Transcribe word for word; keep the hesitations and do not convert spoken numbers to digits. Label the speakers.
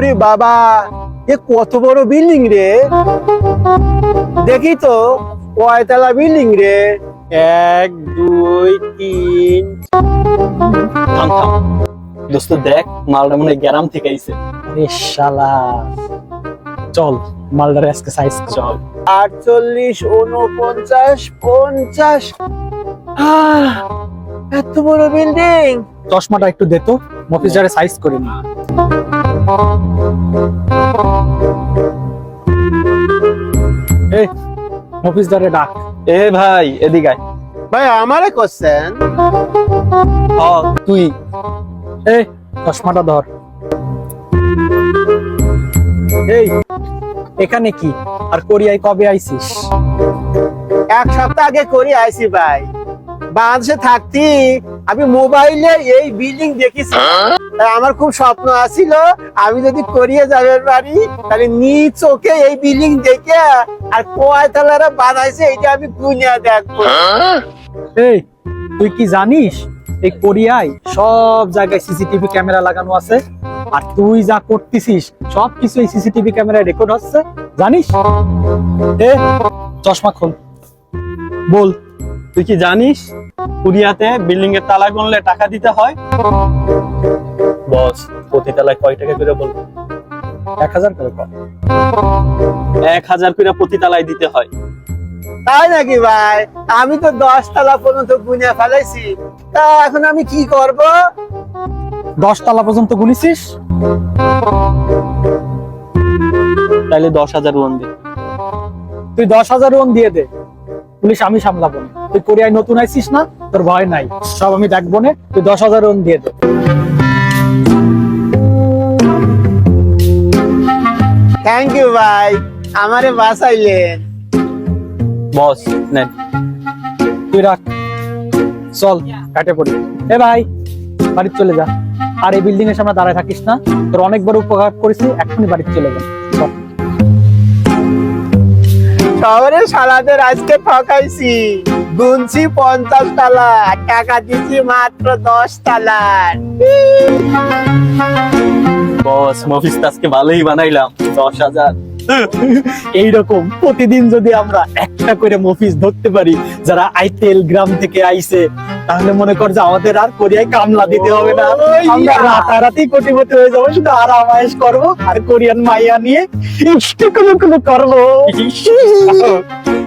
Speaker 1: ওরে বাবা, এ কত বড় বিল্ডিং রে! দেখি তো কয়তলা বিল্ডিং রে। এক দুই তিন।
Speaker 2: থাম থাম দোস্ত, দেখ মালটা মনে হয় গ্রাম থেকে আইছে।
Speaker 3: আরে শালা, চল মালদারে আজকে সাইজ
Speaker 2: চল।
Speaker 1: আটচল্লিশ, উনপঞ্চাশ, পঞ্চাশ। আহ, এত বড় বিল্ডিং!
Speaker 3: চশমাটা একটু দে তো, মফিজারে সাইজ করে নি। এই মফিজদারে ডাক।
Speaker 2: এ ভাই এদিকে আয়।
Speaker 1: ভাই আমারে কোশ্চেন।
Speaker 2: হ তুই।
Speaker 3: এই চশমাটা ধর। এই এখানে কি আর কোরিয়ায় কবে আইছিস?
Speaker 1: এক সপ্তাহ আগে করে আইছি ভাই। বাংলাদেশে থাকতি আমি মোবাইলে এই বিল্ডিং দেখেছি। তাই আমার খুব স্বপ্ন আছিল আমি যদি কোরিয়া যাবে পারি তাহলে নিজ চোখে এই বিল্ডিং দেখে আর কয়তলারা বানাইছে এটা আমি গুনিয়া দেখবো।
Speaker 3: এই তুই কি জানিস এই কোরিয়ায় সব জায়গায় সিসিটিভি ক্যামেরা লাগানো আছে, আর তুই যা করতেছিস সব কিছু এই সিসিটিভি ক্যামেরায় রেকর্ড হচ্ছে, জানিস? এ চশমা খোল, বল।
Speaker 2: তুই কি জানিস কোরিয়াতে বিল্ডিং এর তালা গুনলে টাকা দিতে হয়? বস, প্রতি তালায় কয় টাকা করে বলবো?
Speaker 3: এক হাজার করে কর।
Speaker 2: এক হাজার করে প্রতি তালায় দিতে হয়।
Speaker 1: তাই নাকি ভাই? আমি তো দশ তলা পর্যন্ত গুনিয়া ফেলাইছি। তা এখন আমি কি করব?
Speaker 3: দশ তলা পর্যন্ত গুনিছিস?
Speaker 2: তাইলে দশ হাজার ওয়ান দে।
Speaker 3: তুই দশ হাজার ওন দিয়ে দে, পুলিশ আমি সামলাবো না। তুই কোরিয়ায় নতুন আইছিস না, তোর ভয় নাই, সব আমি দেখবো না। তুই দশ হাজার ওন দিয়ে দে।
Speaker 1: থ্যাংক ইউ ভাই, আমারে বাঁচাইলেন।
Speaker 2: বস নেন।
Speaker 3: তুই রাখ, চল কাটে পড়ি। এ ভাই বাড়িতে চলে যা, আর এই বিল্ডিং এর সামনে দাঁড়ায় থাকিস না। তোর অনেকবার উপকার করেছি, এখনই বাড়িতে চলে যা। চল।
Speaker 1: শহরে সালাদের আজকে ঠকাইছি, গুনছি পঞ্চাশ তালা, টাকা দিছি মাত্র দশ তালার।
Speaker 2: বস মফিস আজকে ভালোই বানাইলাম, দশ হাজার।
Speaker 3: এইরকম প্রতিদিন যদি আমরা একটা করে মফিস ধরতে পারি যারা আইতেল গ্রাম থেকে আইছে, তাহলে মনে কর যে আমাদের আর কোরিয়ায় কামলা দিতে হবে না। আমরা রাতারাতি কোটিপতি হয়ে যাবো, শুধু আরাম আয়েশ করবো আর কোরিয়ান মাইয়া নিয়ে ইষ্টি কোনো কোনো করবো।